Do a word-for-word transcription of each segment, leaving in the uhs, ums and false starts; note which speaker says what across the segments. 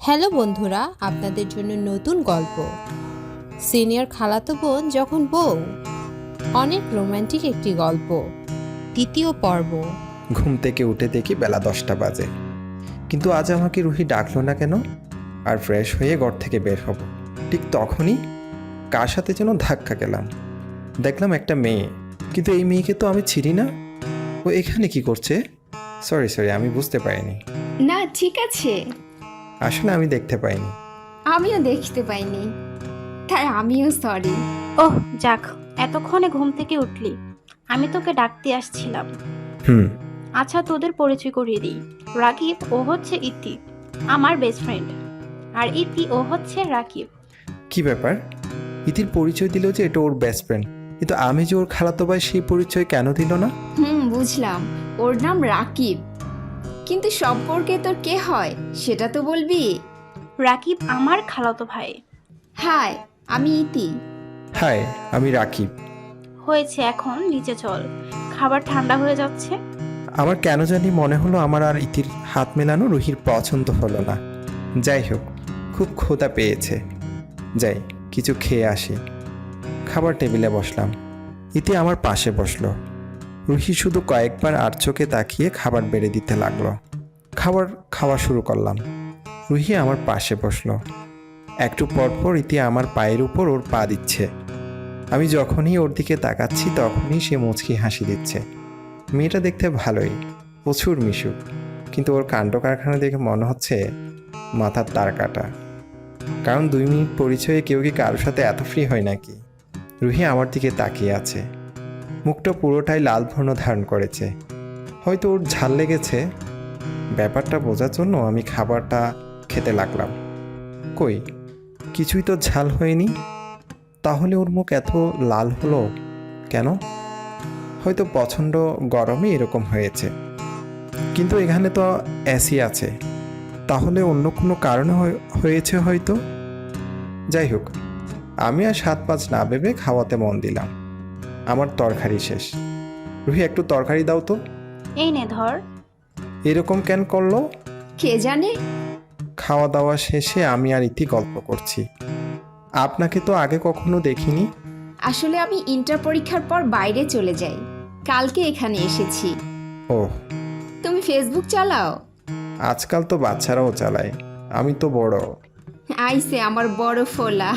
Speaker 1: Hello বন্ধুরা, আপনাদের জন্য নতুন গল্প সিনিয়র খালাতো বোন যখন বউ। অনেক রোমান্টিক একটি গল্প, দ্বিতীয় পর্ব।
Speaker 2: ঘুম থেকে উঠে দেখি বেলা দশটা বাজে, কিন্তু আজ আমাকে রুহি ডাকলো না কেন? আর ফ্রেশ হয়ে ঘর থেকে বের হব, ঠিক তখনই কার সাথে যেন ধাক্কা গেলাম। দেখলাম একটা মেয়ে, কিন্তু এই মেয়েকে তো আমি চিনি না। ও এখানে কি করছে? সরি সরি আমি বুঝতে পারিনি।
Speaker 3: না ঠিক আছে,
Speaker 2: আসলে আমি দেখতে পাইনি।
Speaker 3: আমিও দেখতে পাইনি, তাই আমিও সরি।
Speaker 4: ওহ যাক, এতক্ষণে ঘুম থেকে উঠলি। আমি তোকে ডাকতে আসছিলাম।
Speaker 2: হুম।
Speaker 4: আচ্ছা, তোদের পরিচয় করিয়ে দিই। রাকিব ও হচ্ছে ইতি, আমার বেস্ট ফ্রেন্ড। আর ইতি ও হচ্ছে রাকিব।
Speaker 2: কি ব্যাপার? ইতির পরিচয় দিল যে এটা ওর বেস্ট ফ্রেন্ড, কিন্তু আমি যে ওর খালাতো ভাই সেই পরিচয় কেন দিল না?
Speaker 3: হুম বুঝলাম, ওর নাম রাকিব, কিন্তু সম্পর্কে তোর কে হয় সেটা তো বলবি।
Speaker 4: রাকিব আমার খালাতো ভাই।
Speaker 3: হাই, আমি ইতি।
Speaker 2: হাই, আমি রাকিব।
Speaker 4: হয়েছে, এখন নিচে চল, খাবার ঠান্ডা হয়ে যাচ্ছে।
Speaker 2: আমার কেন জানি মনে হলো আমার আর ইতির হাত মেলানো রুহির পছন্দ হলো না। যাই হোক, খুব ক্ষুধা পেয়েছে, যাই কিছু খেয়ে আসি। খাবার টেবিলে বসলাম, ইতি আমার পাশে বসলো। রুহি শুধু কয়েকবার আর চোখে তাকিয়ে খাবার বেড়ে দিতে লাগলো। খাবার খাওয়া শুরু করলাম, রুহি আমার পাশে বসলো। একটু পরপর ইতি আমার পায়ের উপর ওর পা দিচ্ছে। আমি যখনই ওর দিকে তাকাচ্ছি তখনই সে মুচকি হাসি দিচ্ছে। মেয়েটা দেখতে ভালোই, প্রচুর মিশুক, কিন্তু ওর কাণ্ড কারখানা দেখে মনে হচ্ছে মাথার তার কাটা। কারণ দুই মিনিট পরিচয়ে কেউ কি কারোর সাথে এত ফ্রি হয় নাকি? রুহি আমার দিকে তাকিয়ে আছে, মুখটা পুরোটাই লাল বর্ণ ধারণ করেছে। হয়তো ওর ঝাল লেগেছে। ব্যাপারটা বোঝার জন্য আমি খাবারটা খেতে লাগলাম। কই, কিছুই তো ঝাল হয়নি। তাহলে ওর মুখ এত লাল হলো কেন? হয়তো প্রচণ্ড গরমে এরকম হয়েছে, কিন্তু এখানে তো এসি আছে, তাহলে অন্য কোনো কারণে হয়েছে হয়তো। যাই হোক, আমি আর সাত পাঁচ না ভেবে খাওয়াতে মন দিলাম। আমার তরকারি শেষ। রুহি, একটু তরকারি দাও তো।
Speaker 4: এই নে ধর।
Speaker 2: এরকম কেন করলো?
Speaker 3: কে জানে।
Speaker 2: খাওয়া দাওয়া শেষে আমি আর ইতি গল্প করছি। আপনাকে তো আগে কখনো দেখিনি।
Speaker 3: আসলে আমি ইন্টার পরীক্ষার পর বাইরে চলে যাই, কালকে এখানে এসেছি।
Speaker 2: ও,
Speaker 3: তুমি ফেসবুক চালাও?
Speaker 2: আজকাল তো বাচ্চারাও চালায়, আমি তো বড়।
Speaker 3: আইসে আমার বড় ফোলা।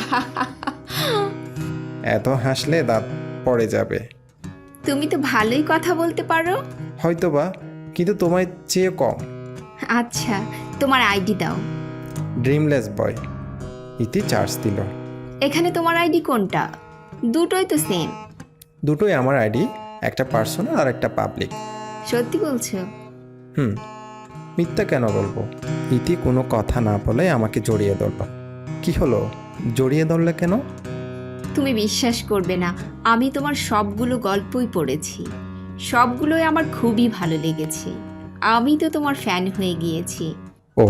Speaker 2: এত হাসলে দাঁত পড়ে যাবে।
Speaker 3: তুমি তো ভালোই কথা বলতে পারো।
Speaker 2: হয়তোবা, কিন্তু তোমায় চেয়ে কম।
Speaker 3: আচ্ছা, তোমার আইডি দাও।
Speaker 2: ড্রিমলেস বয়। ইতি চার্জ দিল।
Speaker 3: এখানে তোমার আইডি কোনটা? দুটোই তো সেম।
Speaker 2: দুটোই আমার আইডি, একটা পার্সোনাল আর একটা পাবলিক।
Speaker 3: সত্যি বলছো?
Speaker 2: হুম, মিথ্যা কেন বলবো? ইতি কোনো কথা না বলে আমাকে জড়িয়ে ধরল। কি হলো, জড়িয়ে ধরলে কেন?
Speaker 3: তুমি বিশ্বাস করবে না, আমি তোমার সবগুলো গল্পই পড়েছি, সবগুলোই আমার খুবই ভালো লেগেছে। আমি তো তোমার ফ্যান হয়ে গিয়েছি।
Speaker 2: ও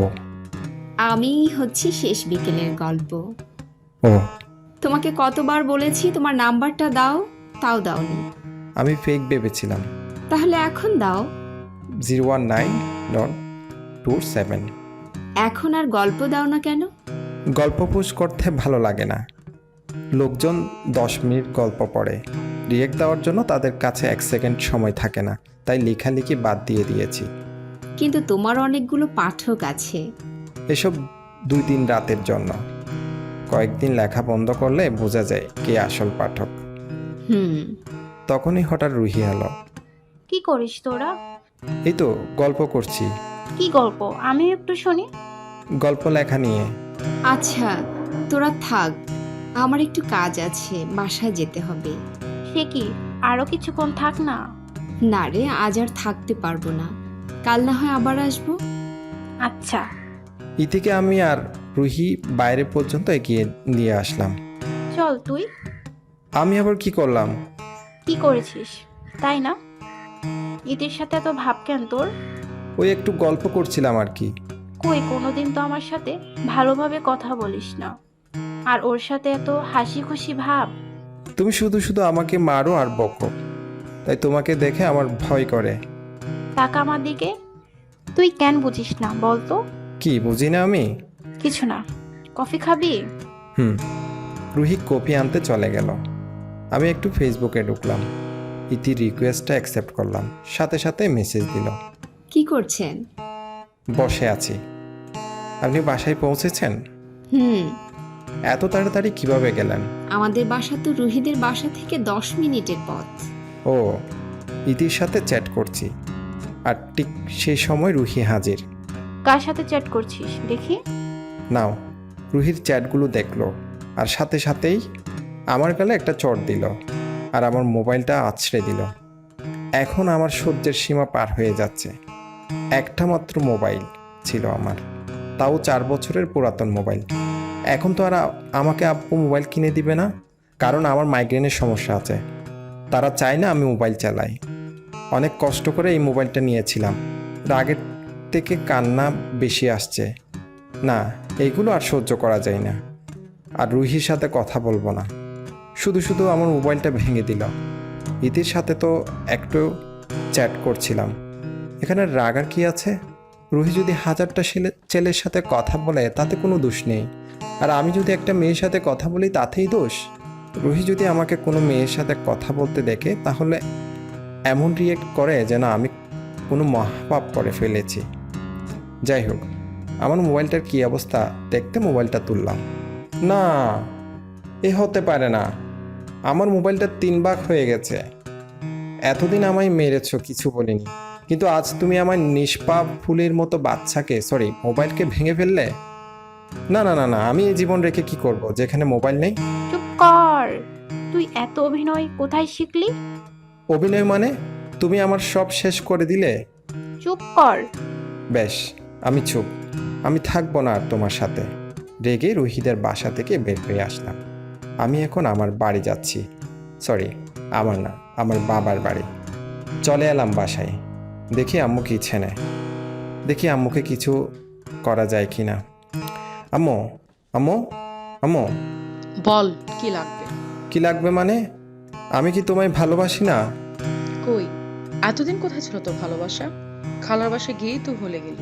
Speaker 3: আমি হচ্ছি শেষ বিকেলের গল্প।
Speaker 2: ও
Speaker 3: তোমাকে কতবার বলেছি তোমার নাম্বারটা দাও, তাও দাওনি।
Speaker 2: আমি ফেক ভেবেছিলাম।
Speaker 3: তাহলে এখন দাও।
Speaker 2: Zero one nine dot two seven.
Speaker 3: এখন আর গল্প দাও না কেন?
Speaker 2: গল্প পোস্ট করতে ভালো লাগে না। লোকজন দশ মিনিট গল্প পড়ে, রিয়েক্ট দেওয়ার জন্য তাদের কাছে এক সেকেন্ড সময় থাকে না, তাই লেখালেখি বাদ দিয়ে দিয়েছি।
Speaker 3: কিন্তু তোমার অনেকগুলো পাঠক আছে।
Speaker 2: এসব দুই দিন রাতের জন্য। কয়েকদিন লেখা বন্ধ করলে বোঝা যায় কে আসল পাঠক।
Speaker 3: হুম।
Speaker 2: তখনই হঠাৎ রুহি এলো।
Speaker 4: কি করিস তোরা?
Speaker 2: এই তো গল্প করছি।
Speaker 4: কি গল্প? আমি একটু শুনি।
Speaker 2: গল্প লেখা নিয়ে।
Speaker 3: আচ্ছা, তোরা থাক, আমার একটু কাজ আছে, বাসায় যেতে হবে।
Speaker 4: সে কি, আরো কিছুক্ষণ থাক না।
Speaker 3: না রে, আজ আর থাকতে পারবো না, কাল না হয় আবার আসবো।
Speaker 4: আচ্ছা।
Speaker 2: ইতিকে আমি আর রুহি বাইরে পর্যন্ত এগিয়ে দিয়ে আসলাম।
Speaker 4: চল তুই।
Speaker 2: আমি আবার কি করলাম?
Speaker 4: কি করেছিস তাই না? ইতির সাথে এত ভাব কেন তোর?
Speaker 2: ওই একটু গল্প করছিলাম আর কি।
Speaker 4: কই, কোনোদিন তো আমার সাথে ভালোভাবে কথা বলিস না, আর ওর সাথে এত হাসি খুশি ভাব।
Speaker 2: তুমি শুধু শুধু আমাকে মারো আর বকো, তাই তোমাকে দেখে আমার ভয় করে।
Speaker 4: টাকা আমার দিকে। তুই কেন বুঝিস না বলতো?
Speaker 2: কি বুঝি না আমি?
Speaker 4: কিছু না। কফি খাবি?
Speaker 2: হুম। রুহি কপি আনতে চলে গেল। আমি একটু ফেসবুকে ঢুকলাম। ইতির রিকোয়েস্টটা অ্যাকসেপ্ট করলাম, সাথে সাথে মেসেজ দিল।
Speaker 3: কি করছেন?
Speaker 2: বসে আছি। আপনি বাসায় পৌঁছেছেন?
Speaker 3: হুম।
Speaker 2: এত তাড়াতাড়ি কিভাবে গেলেন?
Speaker 3: আমাদের বাসা তো রুহিদের বাসা থেকে দশ মিনিটের পথ।
Speaker 2: ও, ইতির সাথে চ্যাট করছি, আর ঠিক সেই সময় রুহি হাজির।
Speaker 4: কার সাথে চ্যাট করছিস দেখি?
Speaker 2: নাও। রুহির চ্যাটগুলো দেখলো, আর সাথে সাথেই আমার গালে একটা চট দিল, আর আমার মোবাইলটা আছড়ে দিল। এখন আমার সহ্যের সীমা পার হয়ে যাচ্ছে। একটা মাত্র মোবাইল ছিল আমার, তাও চার বছরের পুরাতন মোবাইল। এখন তো আর আ- আমাকে আব্বু মোবাইল কিনে দিবে না, কারণ আমার মাইগ্রেনের সমস্যা আছে। তারা চায় না আমি মোবাইল চালাই। অনেক কষ্ট করে এই মোবাইলটা নিয়েছিলাম। রাগের থেকে কান্না বেশি আসছে। না, এইগুলো আর সহ্য করা যায় না। আর রুহির সাথে কথা বলবো না। শুধু শুধু আমার মোবাইলটা ভেঙে দিল। ইতির সাথে তো একটু চ্যাট করছিলাম। এখানে রাগার কি আছে? রুহি যদি হাজারটা ছেলে ছেলের সাথে কথা বলে তাতে কোনো দোষ নেই, আর আমি যদি একটা মেয়ের সাথে কথা বলি তাতেই দোষ। রুহি যদি আমাকে কোনো মেয়ের সাথে কথা বলতে দেখে তাহলে এমন রিয়েক্ট করে যেন আমি কোনো মহাপাপ করে ফেলেছি। যাই হোক, আমার মোবাইলটার কী অবস্থা দেখতে মোবাইলটা তুললাম। না, এ হতে পারে না। আমার মোবাইলটা তিন ভাগ হয়ে গেছে। এতদিন আমায় মেরেছ, কিছু বলিনি, কিন্তু আজ তুমি আমার নিষ্পাপ ফুলের মতো বাচ্চাকে, সরি মোবাইলকে ভেঙে ফেললে। না না না না, আমি এই জীবন রেখে কি করব যেখানে মোবাইল নেই?
Speaker 4: চুপ কর। তুই এত অভিনয় কোথায় শিখলি?
Speaker 2: অভিনয় মানে? তুমি আমার সব শেষ করে দিলে।
Speaker 4: চুপ কর।
Speaker 2: বেশ, আমি চুপ। আমি থাকবো না আর তোমার সাথে। রেগে রুহিদের বাসা থেকে বের হয়ে আসলাম। আমি এখন আমার বাড়ি যাচ্ছি। সরি, আমার না, আমার বাবার বাড়ি। চলে এলাম বাসায়। দেখি আম্মু কি ইচ্ছে নেয়। দেখি আম্মুকে কিছু করা যায় কি না। আম্মু, আম্মু, আম্মু।
Speaker 5: বল, কি লাগবে?
Speaker 2: কি লাগবে মানে? আমি কি তোমায় ভালোবাসি না?
Speaker 5: কই, এতদিন কোথায় ছিল তোর ভালোবাসা? খালার বাসায় গিয়েই তো ভুলে গেলি।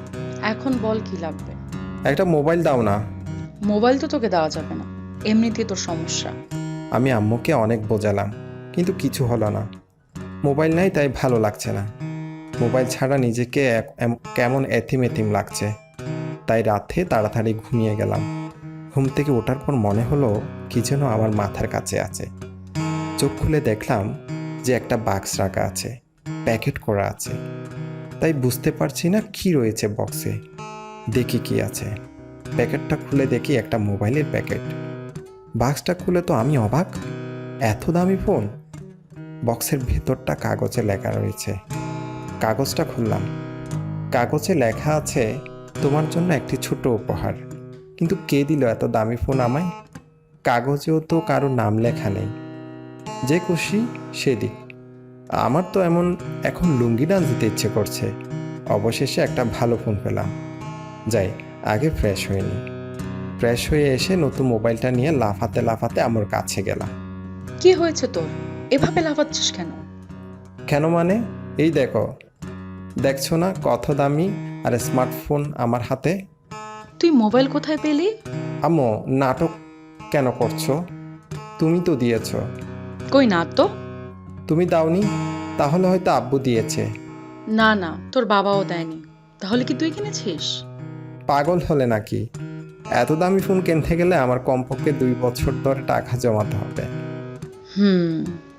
Speaker 5: এখন বল কি লাগবে?
Speaker 2: একটা মোবাইল দাও না।
Speaker 5: মোবাইল তো তোকে দেওয়া যাবে না, এমনিতেই তোর সমস্যা।
Speaker 2: আমি আম্মুকে অনেক বোঝালাম, কিন্তু কিছু হলো না। মোবাইল নাই তাই ভালো লাগছে না। মোবাইল ছাড়া নিজেকে এক- এম- কেমন এতিম এতিম লাগছে। তাই রাতে তাড়াতাড়ি ঘুমিয়ে গেলাম। ঘুম থেকে ওঠার পর মনে হলো কি যেন আমার মাথার কাছে আছে। চোখ খুলে দেখলাম যে একটা বাক্স রাখা আছে, প্যাকেট করা আছে। তাই বুঝতে পারছি না কি রয়েছে বক্সে। দেখি কি আছে। প্যাকেটটা খুলে দেখি একটা মোবাইলের প্যাকেট। বাক্সটা খুলে তো আমি অবাক, এত দামি ফোন। বক্সের ভেতরটা কাগজে লেখা রয়েছে। কাগজটা খুললাম। কাগজে লেখা আছে, তোমার জন্য একটি ছোট উপহার। কিন্তু কে দিল এত দামি ফোন আমায়? কাগজেও তো কারো নাম লেখা নেই। যে খুশি সে দিক। আমার তো এমন এখন লুঙ্গি ডান্স দিতে ইচ্ছে করছে। অবশেষে একটা ভালো ফোন পেলাম। যাই, আগে ফ্রেশ হয়ে নিই। ফ্রেশ হয়ে এসে নতুন মোবাইলটা নিয়ে লাফাতে লাফাতে আমার কাছে গেলাম।
Speaker 5: কি হয়েছে তোর? এভাবে লাফাচ্ছিস কেন?
Speaker 2: কেন মানে? এই দেখো, দেখছো না কত দামি আর স্মার্টফোন আমার হাতে।
Speaker 5: তুই মোবাইল কোথায় পেলি?
Speaker 2: আম্মু, নাটক কেন করছো? তুমি তো দিয়েছো।
Speaker 5: কই না তো।
Speaker 2: তুমি দাওনি? তাহলে হয়তো আব্বু দিয়েছে।
Speaker 5: না না, তোর বাবাও দেয়নি। তাহলে কি তুই কিনেছিস?
Speaker 2: পাগল হলে নাকি? এত দামি ফোন কিনতে গেলে আমার কমপক্ষে দুই বছর ধরে টাকা জমাতে হবে।
Speaker 5: হুম।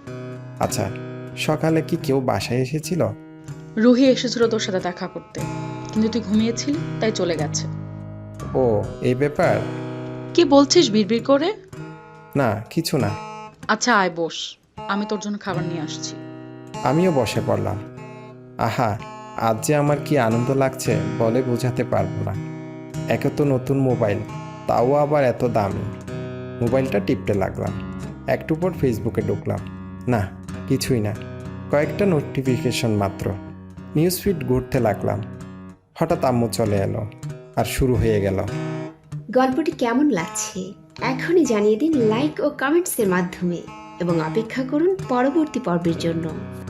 Speaker 2: আচ্ছা, সকালে কি কেউ বাসায় এসেছিল?
Speaker 5: রুহি এসেছিল তোর সাথে দেখা করতে, কিন্তু তুই ঘুমিয়েছিলি তাই চলে গেছে।
Speaker 2: ও, এই ব্যাপার?
Speaker 5: কি বলছিস বিড়বিড় করে?
Speaker 2: না, কিছু না।
Speaker 5: আচ্ছা আয় বস, আমি তোর জন্য খাবার নিয়ে আসছি।
Speaker 2: আমিও বসে পড়লাম। আহা, আজ যে আমার কি আনন্দ লাগছে বলে বোঝাতে পারবো না। একে তো নতুন মোবাইল, তাও আবার এত দামি। মোবাইলটা টিপতে লাগলাম। একটু পর ফেসবুকে ঢুকলাম। না, কিছুই না, কয়েকটা নোটিফিকেশন মাত্র। নিউজ ফিড ঘুরতে লাগলাম। হঠাৎ আম্মু চলে এলো, আর শুরু হয়ে গেল।
Speaker 6: গল্পটি কেমন লাগছে এখনই জানিয়ে দিন লাইক ও কমেন্টসের মাধ্যমে এবং অপেক্ষা করুন পরবর্তী পর্বের জন্য।